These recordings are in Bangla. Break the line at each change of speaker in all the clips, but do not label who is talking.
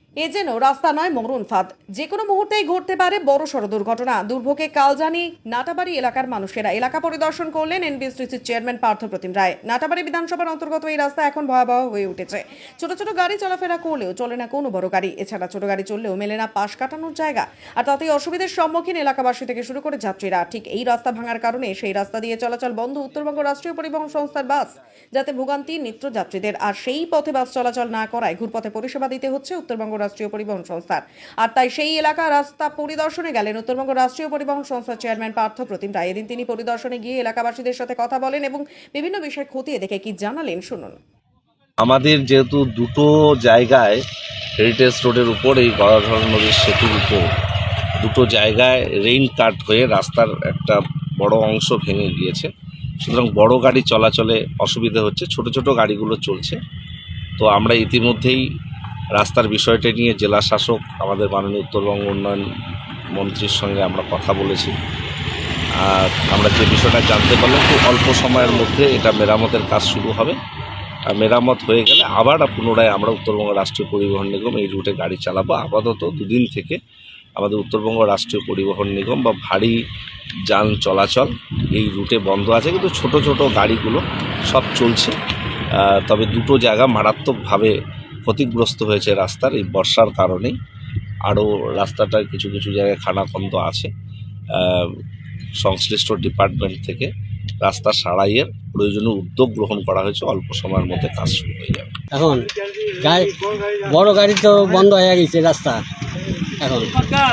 এ যেন রাস্তা নয় মরণ ফাঁদ, যে কোনো মুহূর্তেই ঘটতে পারে বড়সড় দুর্ঘটনা। দুর্ভোগে কালজানি নাটাবাড়ি এলাকার মানুষেরা এলাকা পরিদর্শন করলেন এনবিএসটিসির চেয়ারম্যান পার্থপ্রতিম রায়। নাটাবাড়ি বিধানসভার অন্তর্গত এই রাস্তা এখন ভয়াবহ হয়ে উঠেছে। ছোট ছোট গাড়ি চলাফেরা করলেও চলে না কোনো বড় গাড়ি, এছাড়া ছোট গাড়ি চললেও মেলে না পাশ কাটানোর জায়গা, আর তাতেই অসুবিধার সম্মুখীন এলাকাবাসী থেকে শুরু করে যাত্রীরা। ঠিক এই রাস্তা ভাঙার কারণে সেই রাস্তা দিয়ে চলাচল বন্ধ উত্তরবঙ্গ রাষ্ট্রীয় পরিবহন সংস্থার বাস, যাতে ভোগান্তি নিত্য যাত্রীদের। আর সেই পথে বাস চলাচল না করায় ঘুরপথে পরিষেবা দিতে হচ্ছে উত্তরবঙ্গ রাষ্ট্রীয় পরিবহন সংস্থার। আর তাই সেই এলাকা রাস্তা পরিদর্শনে গেলেন উত্তরবঙ্গ রাষ্ট্রীয় পরিবহন সংস্থার চেয়ারম্যান পার্থপ্রতিম রায়। এদিন তিনি পরিদর্শনে গিয়ে এলাকাবাসীদের সাথে কথা বলেন এবং বিভিন্ন বিষয় খতিয়ে দেখে কি জানালেন শুনুন।
আমাদের যেহেতু দুটো জায়গায় হেরিটেজ রোডের উপর এই গদাধর নদীর সেতুর উপর দুটো জায়গায় রেইন কাট হয়ে রাস্তার একটা বড় অংশ ভেঙে গিয়েছে, সুতরাং বড় গাড়ি চলাচলে অসুবিধা হচ্ছে, ছোট ছোট গাড়িগুলো চলছে। তো আমরা ইতিমধ্যেই রাস্তার বিষয়টা নিয়ে জেলা শাসক আমাদের মাননীয় উত্তরবঙ্গ উন্নয়ন মন্ত্রীর সঙ্গে আমরা কথা বলেছি। আর আমরা যে বিষয়টা জানতে পারলাম খুব অল্প সময়ের মধ্যে এটা মেরামতের কাজ শুরু হবে। আর মেরামত হয়ে গেলে আবার পুনরায় আমরা উত্তরবঙ্গ রাষ্ট্রীয় পরিবহন নিগম এই রুটে গাড়ি চালাবো। আপাতত দুদিন থেকে আমাদের উত্তরবঙ্গ রাষ্ট্রীয় পরিবহন নিগম বা ভারী যান চলাচল এই রুটে বন্ধ আছে, কিন্তু ছোট ছোট গাড়িগুলো সব চলছে। তবে দুটো জায়গা মারাত্মকভাবে ক্ষতিগ্রস্ত হয়েছে রাস্তার এই বর্ষার কারণেই। আরও রাস্তাটার কিছু কিছু জায়গায় খানাখন্দ আছে। সংশ্লিষ্ট ডিপার্টমেন্ট থেকে রাস্তা সারাইয়ের প্রয়োজনীয় উদ্যোগ গ্রহণ করা হয়েছে। অল্প সময়ের মধ্যে কাজ শুরু হয়ে যাবে।
এখন বড় গাড়ি তো বন্ধ হয়ে গেছে রাস্তা, এখন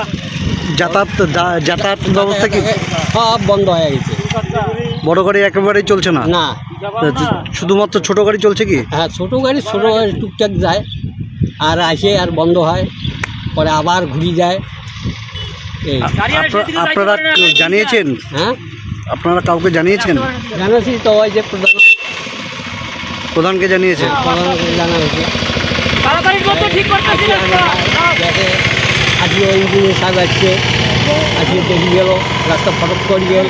যাতায়াত ব্যবস্থা কি
সব বন্ধ হয়ে গেছে।
বড় গাড়ি একেবারেই চলছে না?
না,
শুধুমাত্র ছোট গাড়ি চলছে কি?
হ্যাঁ, ছোট গাড়ি টুকটাক যায়, আর আসে আর বন্ধ হয়, পরে আবার ঘুরে যায়। এই
আপনারা জানিয়েছেন?
হ্যাঁ,
আপনারা কাউকে জানিয়েছেন?
জানাচ্ছি তো, ওই যে
প্রধানকে জানিয়েছেন?
প্রধানকে জানা হয়েছে। আজকে ইঞ্জিনিয়ার সাহেব আসছে, আজকে দেখে গেল রাস্তা ফটক করে গেল।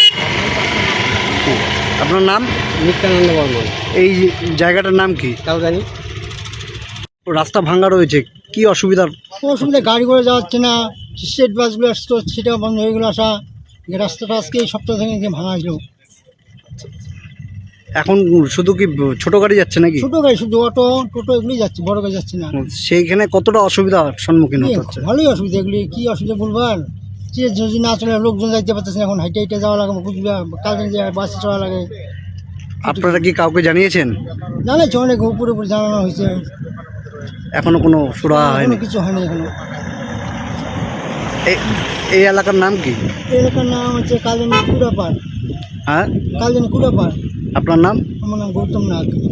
আপনার নাম?
নিত্যানন্দ বর্মন।
এই জায়গাটার নাম কি?
তাও জানি।
রাস্তা ভাঙা রয়েছে, কি অসুবিধার?
অসুবিধা, গাড়ি করে যাচ্ছে না, স্টেট বাসগুলো আসতো সেটাও বন্ধ হয়ে গেলো আসা। রাস্তাটা আজকে এই সপ্তাহ থেকে ভাঙা ছিল।
এখন শুধু কি ছোট গাড়ি যাচ্ছে নাকি?
ছোটো গাড়ি, শুধু অটো টোটো এগুলোই যাচ্ছে, বড় গাড়ি যাচ্ছে না।
সেইখানে কতটা অসুবিধার সম্মুখীন হতে হচ্ছে?
ভালোই অসুবিধা, এগুলি কী অসুবিধা বলবার। যে যদি না চলে লোকজন যাইতে পারতেছে না, এখন হাইটে হাইটে যাওয়া লাগে, কালকে যে বাসে চলা লাগে।
আপনারা কি কাউকে জানিয়েছেন?
জানাচ্ছে, অনেক উপরে উপরে জানানো হয়েছে,
এখনো কোনো সুরা হয়নি?
কিছু হয়নি এখনো।
এই এলাকার নাম কি?
এলাকার নাম হচ্ছে কালজানি কুড়াপাড়।
হ্যাঁ,
কালজানি কুড়াপাড়।
আপনার নাম?
আমার নাম গৌতম নাগ।